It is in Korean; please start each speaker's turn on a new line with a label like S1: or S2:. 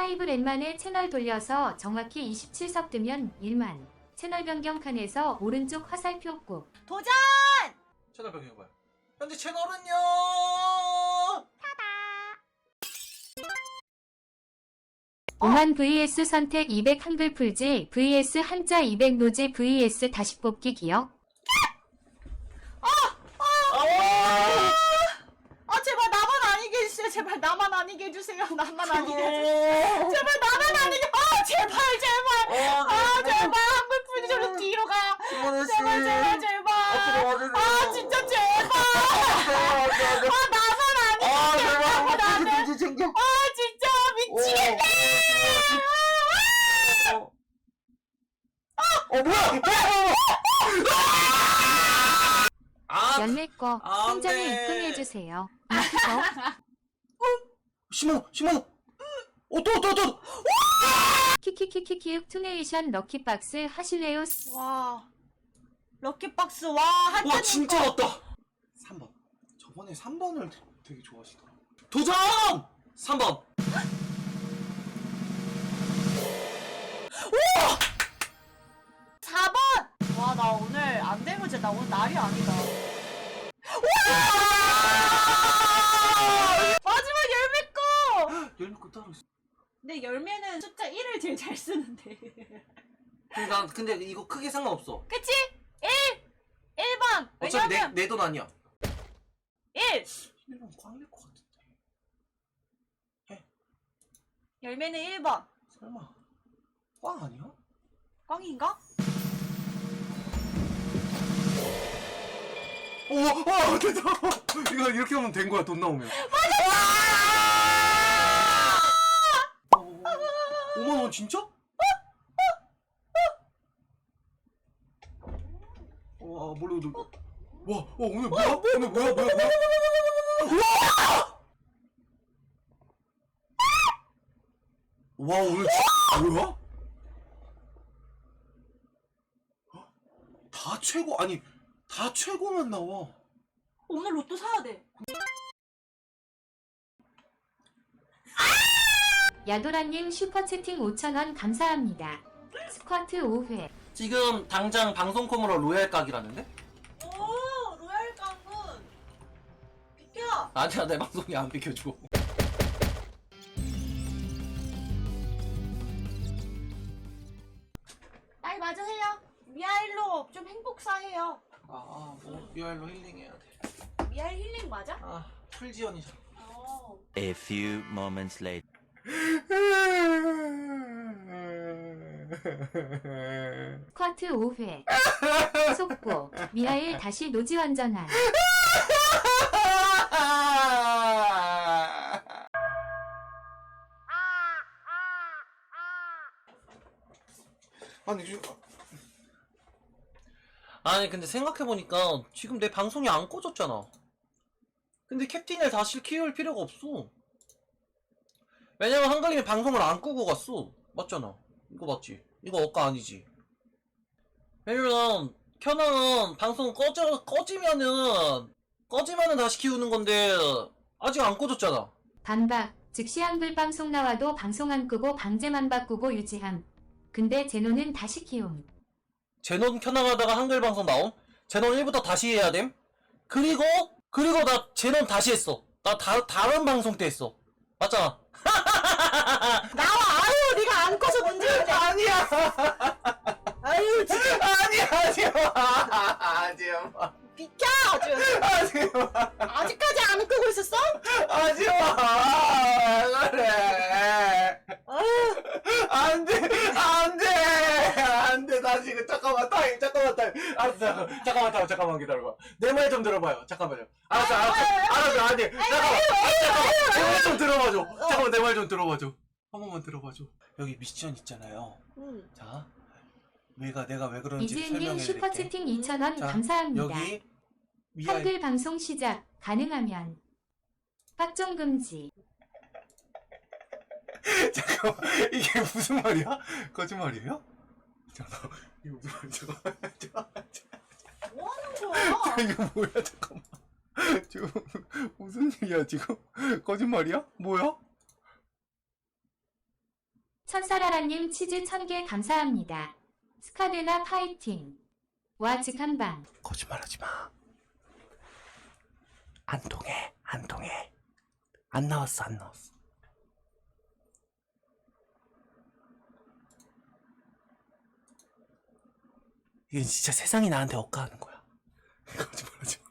S1: 5랜만에 채널 돌려서 정확히 27섭 뜨면 1만. 채널 변경 칸에서 오른쪽 화살표 꾹.
S2: 도전!
S3: 채널 변경해봐요. 현재 채널은요.
S1: 5만 vs 선택 200 한글 풀지 vs 한자 200 노지 vs 다시 뽑기 기억.
S2: 제발 나만 아니게 해주세요. 제발 나만 아니게 해주세요. 나만 아니게 해주세요. 제발 나만 아니게. 제발. 제발 한글 풀지 저로 뒤로 가. 제발. 진짜 제발. 나만 아니게.
S3: 제발 챙겨.
S2: 진짜 미치겠네.
S1: 연례 거
S3: 안
S1: 통장에
S3: 돼.
S1: 입금해주세요.
S3: 심어. 또.
S1: 키키키키키윽 투네이션 럭키박스 하실래요?
S2: 와. 럭키박스 와.
S3: 와 진짜 왔다. 3번. 저번에 3번을 되게 좋아하시더라. 도전! 3번.
S2: 4번! 와, 나 오늘 안 되면 진짜 나 오늘 날이 아니다. 마지막 열매 거!
S3: 열매 거 따로 있어.
S2: 근데 열매는 숫자 1을 제일 잘 쓰는데.
S3: 난 근데 이거 크게 상관없어.
S2: 그치? 1번!
S3: 어차피
S2: 왜냐면
S3: 내 돈 아니야.
S2: 1!
S3: 1번 꽝일 것 같은데.
S2: 열매는 1번.
S3: 설마 꽝 아니야?
S2: 꽝인가?
S3: 오, 됐다. 이거 이렇게 하면 된 거야. 돈 나오면. 맞았어! 5만 원 진짜? 와, 몰라. 와, 오늘 뭐야? 오늘 뭐야? 와, 오늘 뭐야? 다 최고 아니 다 최고만 나와.
S2: 오늘 로또 사야 돼.
S1: 야도라님 슈퍼채팅 5,000원 감사합니다. 스쿼트 5회.
S3: 지금 당장 방송콤으로 로얄 각이라는데?
S2: 오, 로얄 깡군. 비켜!
S3: 아니야, 내 방송이 안 비켜줘.
S2: 나이 맞으세요. 미아일로 좀 행복사해요.
S3: 뭐 로얄로 힐링해야 돼.
S2: 미아일 힐링 맞아?
S3: 풀지연이잖아.
S4: A few moments later.
S1: 스쿼트 5회. 속보. 미하일 다시 노지 완전한.
S3: 아니 근데 생각해보니까 지금 내 방송이 안 꺼졌잖아. 근데 캡틴을 다시 키울 필요가 없어. 왜냐면 한글님이 방송을 안 끄고 갔어. 맞잖아. 이거 맞지? 이거 억까 아니지? 왜냐면 켜놓은 방송 꺼지면은 다시 키우는 건데 아직 안 꺼졌잖아.
S1: 반박. 즉시 한글 방송 나와도 방송 안 끄고 방제만 바꾸고 유지함. 근데 제노는 다시 키움.
S3: 제논 켜나가다가 한글 방송 나옴? 제논 1부터 다시 해야 됨? 그리고 나 제논 다시 했어. 나 다른 방송 때 했어. 맞잖아.
S2: 나와! 아유, 네가 안 꺼서 문제인데.
S3: 아니야.
S2: 아유, 진짜.
S3: 아니야. 하지마.
S2: 비켜! 아주.
S3: 하지마.
S2: 아직까지 안 끄고 있었어?
S3: 하지마. 그래.
S2: 아유.
S3: 안돼. 나 지금 잠깐만 타임. 알았어. 잠깐만 기다려봐. 내 말 좀 들어봐요. 잠깐만요. 알았어. 아니. 잠깐만. 내 말 좀 들어봐줘. 잠깐만 내 말 좀 들어봐줘. 한 번만 들어봐줘. 여기 미션 있잖아요. 자, 내가 왜 그런지
S1: 이지은님
S3: 설명해드릴게.
S1: 슈퍼채팅 2,000원
S3: 자,
S1: 감사합니다.
S3: 여기 위아래
S1: 한글 방송 시작. 가능하면. 빡종 금지.
S3: 잠깐만 이게 무슨 말이야? 거짓말이에요? 잠깐 이게 무슨 말이야? 잠깐만.
S2: 뭐 하는 거야?
S3: 이거 뭐야? 잠깐만. 지금 무슨 일이야 지금? 거짓말이야? 뭐야?
S1: 천사라라님 치즈 1000개 감사합니다. 스카드나 파이팅. 와 즉한방.
S3: 거짓말하지 마. 안 통해, 안 통해. 안 나왔어, 안 나왔어. 이건 진짜 세상이 나한테 억까하는 거야. 거짓말하지 마.